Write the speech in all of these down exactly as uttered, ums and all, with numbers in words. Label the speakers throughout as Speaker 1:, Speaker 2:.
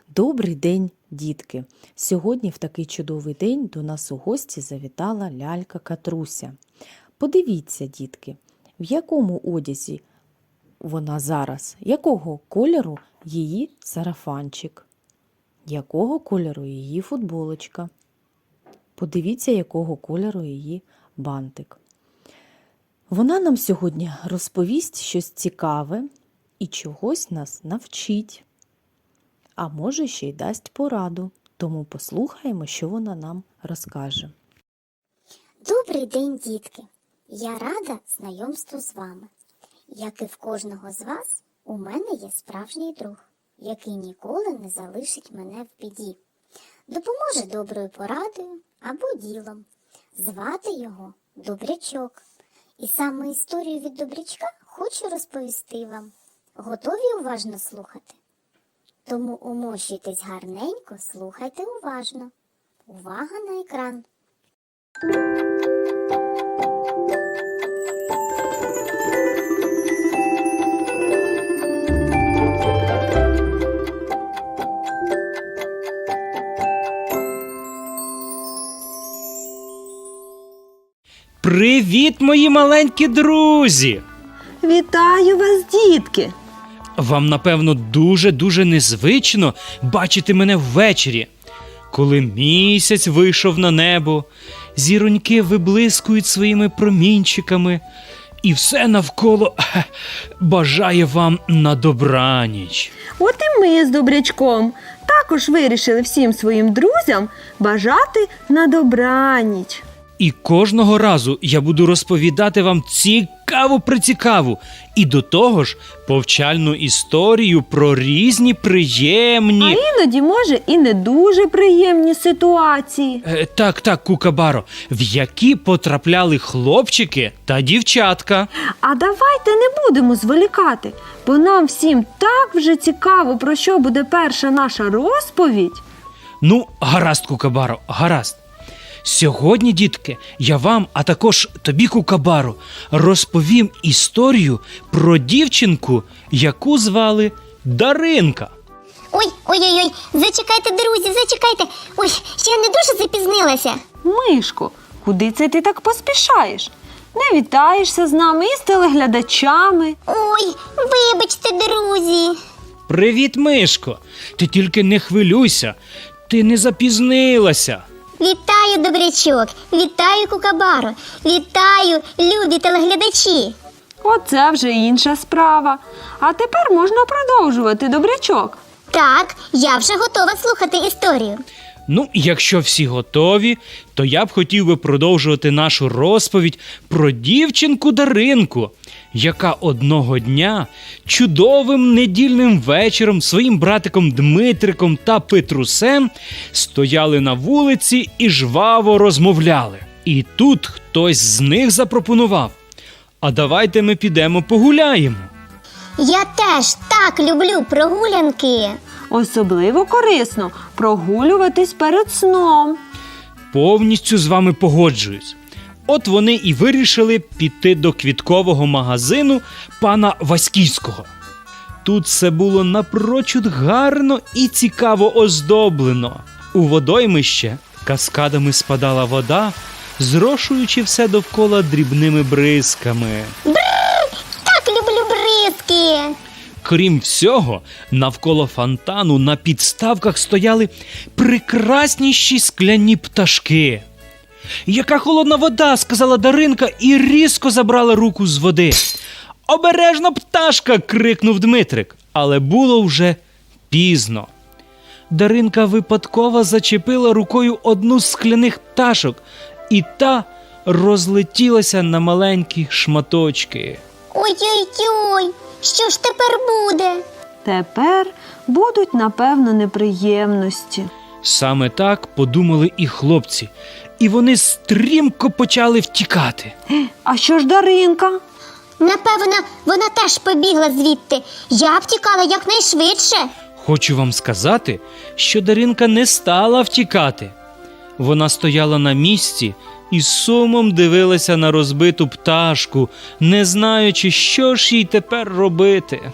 Speaker 1: Добрий день, дітки! Сьогодні в такий чудовий день до нас у гості завітала лялька Катруся. Подивіться, дітки, в якому одязі вона зараз, якого кольору її сарафанчик, якого кольору її футболочка. Подивіться, якого кольору її бантик. Вона нам сьогодні розповість щось цікаве і чогось нас навчить. А може, ще й дасть пораду, тому послухаємо, що вона нам розкаже.
Speaker 2: Добрий день, дітки! Я рада знайомству з вами. Як і в кожного з вас, у мене є справжній друг, який ніколи не залишить мене в біді. Допоможе доброю порадою або ділом. Звати його Добрячок. І саме історію від Добрячка хочу розповісти вам. Готові уважно слухати? Тому умощуйтесь гарненько, слухайте уважно. Увага на екран!
Speaker 3: Привіт, мої маленькі друзі!
Speaker 4: Вітаю вас, дітки!
Speaker 3: Вам, напевно, дуже-дуже незвично бачити мене ввечері, коли місяць вийшов на небо, зіроньки виблискують своїми промінчиками, і все навколо хе, бажає вам на добраніч.
Speaker 4: От і ми з Добрячком також вирішили всім своїм друзям бажати на добраніч.
Speaker 3: І кожного разу я буду розповідати вам цікаву-прицікаву і до того ж повчальну історію про різні приємні...
Speaker 4: А іноді, може, і не дуже приємні ситуації.
Speaker 3: Е, так, так, Кукабаро, в які потрапляли хлопчики та дівчатка.
Speaker 4: А давайте не будемо зволікати, бо нам всім так вже цікаво, про що буде перша наша розповідь.
Speaker 3: Ну, гаразд, Кукабаро, гаразд. Сьогодні, дітки, я вам, а також тобі, Кукабаро, розповім історію про дівчинку, яку звали Даринка.
Speaker 2: Ой, ой-ой-ой, зачекайте, друзі, зачекайте. Ой, я не дуже запізнилася.
Speaker 4: Мишко, куди це ти так поспішаєш? Не вітаєшся з нами і з телеглядачами.
Speaker 2: Ой, вибачте, друзі.
Speaker 3: Привіт, Мишко. Ти тільки не хвилюйся, ти не запізнилася.
Speaker 2: Вітаю, Добрячок, вітаю, Кукабаро, вітаю, любі телеглядачі.
Speaker 4: Оце вже інша справа. А тепер можна продовжувати, Добрячок.
Speaker 2: Так, я вже готова слухати історію.
Speaker 3: Ну, якщо всі готові, то я б хотів би продовжувати нашу розповідь про дівчинку Даринку, яка одного дня чудовим недільним вечором своїм братиком Дмитриком та Петрусем стояли на вулиці і жваво розмовляли. І тут хтось з них запропонував: а давайте ми підемо погуляємо.
Speaker 2: Я теж так люблю прогулянки.
Speaker 4: Особливо корисно прогулюватись перед сном.
Speaker 3: Повністю з вами погоджуюсь. От вони і вирішили піти до квіткового магазину пана Васьківського. Тут все було напрочуд гарно і цікаво оздоблено. У водоймище каскадами спадала вода, зрошуючи все довкола дрібними бризками.
Speaker 2: Так люблю бризки.
Speaker 3: Крім всього, навколо фонтану на підставках стояли прекрасніші скляні пташки. «Яка холодна вода!» – сказала Даринка і різко забрала руку з води. «Обережно, пташка!» – крикнув Дмитрик, але було вже пізно. Даринка випадково зачепила рукою одну з скляних пташок, і та розлетілася на маленькі шматочки.
Speaker 2: Ой-ой-ой, що ж тепер буде?
Speaker 4: Тепер будуть, напевно, неприємності.
Speaker 3: Саме так подумали і хлопці, і вони стрімко почали втікати.
Speaker 4: А що ж Даринка?
Speaker 2: Напевно, вона теж побігла звідти. Я б тікала якнайшвидше.
Speaker 3: Хочу вам сказати, що Даринка не стала втікати. Вона стояла на місці і з сумом дивилася на розбиту пташку, не знаючи, що ж їй тепер робити.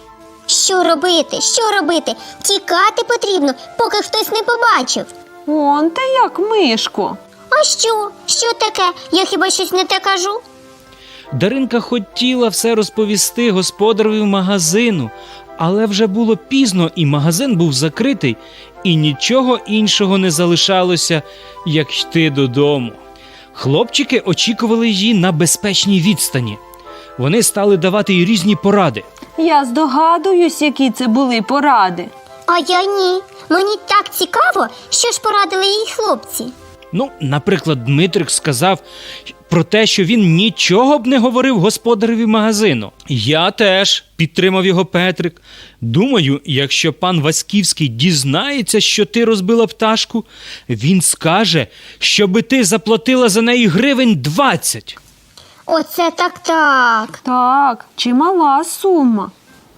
Speaker 2: Що робити? Що робити? Тікати потрібно, поки хтось не побачив.
Speaker 4: Он ти як, Мишко.
Speaker 2: А що? Що таке? Я хіба щось не те кажу?
Speaker 3: Даринка хотіла все розповісти господареві магазину, але вже було пізно, і магазин був закритий, і нічого іншого не залишалося, як йти додому. Хлопчики очікували її на безпечній відстані. Вони стали давати їй різні поради.
Speaker 4: Я здогадуюсь, які це були поради.
Speaker 2: А я ні. Мені так цікаво, що ж порадили їй хлопці.
Speaker 3: Ну, наприклад, Дмитрик сказав про те, що він нічого б не говорив господареві магазину. Я теж, підтримав його Петрик. Думаю, якщо пан Васьківський дізнається, що ти розбила пташку, він скаже, щоби ти заплатила за неї гривень двадцять.
Speaker 2: Оце так-так.
Speaker 4: Так, чимала сума.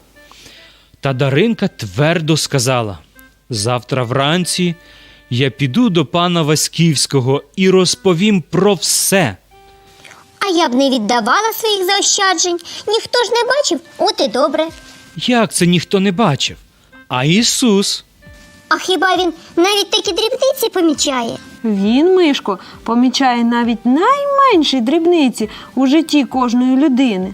Speaker 3: Та Даринка твердо сказала: завтра вранці я піду до пана Васьківського і розповім про все.
Speaker 2: А я б не віддавала своїх заощаджень. Ніхто ж не бачив, от і добре.
Speaker 3: Як це ніхто не бачив? А Ісус?
Speaker 2: А хіба він навіть такі дрібниці помічає?
Speaker 4: Він, Мишко, помічає навіть найменші дрібниці у житті кожної людини.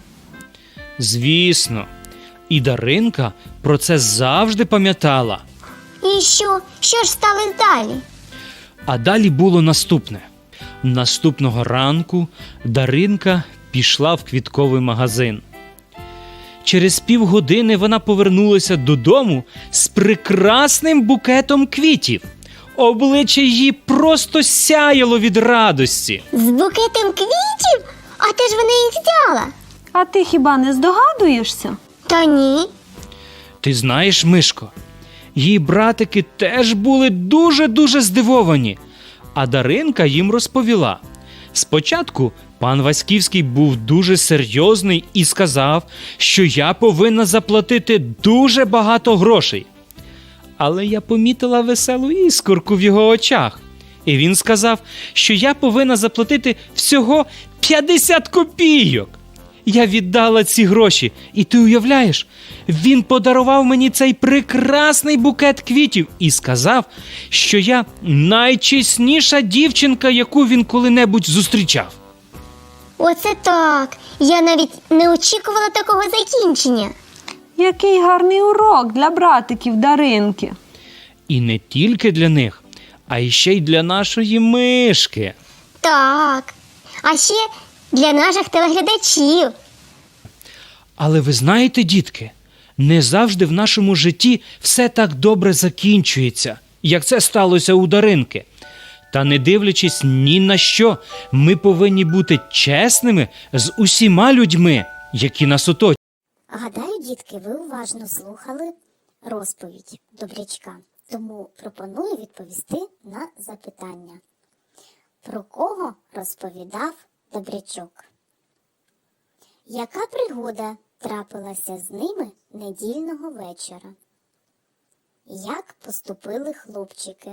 Speaker 3: Звісно. І Даринка про це завжди пам'ятала.
Speaker 2: І що? Що ж сталося далі?
Speaker 3: А далі було наступне. Наступного ранку Даринка пішла в квітковий магазин. Через півгодини вона повернулася додому з прекрасним букетом квітів. Обличчя її просто сяяло від радості.
Speaker 2: З букетом квітів? А де ж вона їх взяла?
Speaker 4: А ти хіба не здогадуєшся?
Speaker 2: Та ні.
Speaker 3: Ти знаєш, Мишко, її братики теж були дуже-дуже здивовані, а Даринка їм розповіла. Спочатку пан Васьківський був дуже серйозний і сказав, що я повинна заплатити дуже багато грошей. Але я помітила веселу іскорку в його очах, і він сказав, що я повинна заплатити всього п'ятдесят копійок. Я віддала ці гроші, і ти уявляєш, він подарував мені цей прекрасний букет квітів і сказав, що я найчесніша дівчинка, яку він коли-небудь зустрічав.
Speaker 2: Оце так. Я навіть не очікувала такого закінчення.
Speaker 4: Який гарний урок для братиків Даринки.
Speaker 3: І не тільки для них, а й ще й для нашої Мишки.
Speaker 2: Так. А ще для наших телеглядачів.
Speaker 3: Але ви знаєте, дітки, не завжди в нашому житті все так добре закінчується, як це сталося у Даринки. Та не дивлячись ні на що, ми повинні бути чесними з усіма людьми, які нас оточують.
Speaker 2: Гадаю, дітки, ви уважно слухали розповідь Добрячка. Тому пропоную відповісти на запитання. Про кого розповідав Добрячок? Яка пригода трапилася з ними недільного вечора? Як поступили хлопчики?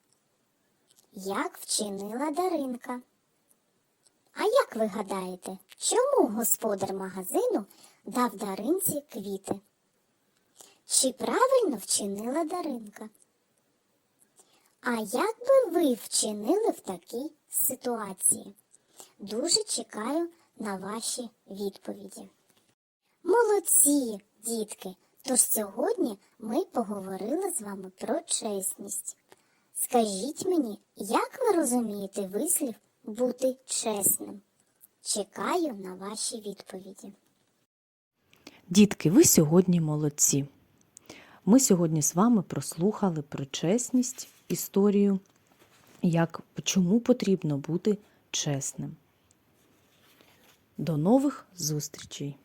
Speaker 2: Як вчинила Даринка? А як ви гадаєте, чому господар магазину дав Даринці квіти? Чи правильно вчинила Даринка? А як би ви вчинили в такій ситуації? Дуже чекаю на ваші відповіді. Молодці, дітки! Тож сьогодні ми поговорили з вами про чесність. Скажіть мені, як ви розумієте вислів «бути чесним»? Чекаю на ваші відповіді.
Speaker 1: Дітки, ви сьогодні молодці. Ми сьогодні з вами прослухали про чесність, історію, як, чому потрібно бути чесним. До нових зустрічей!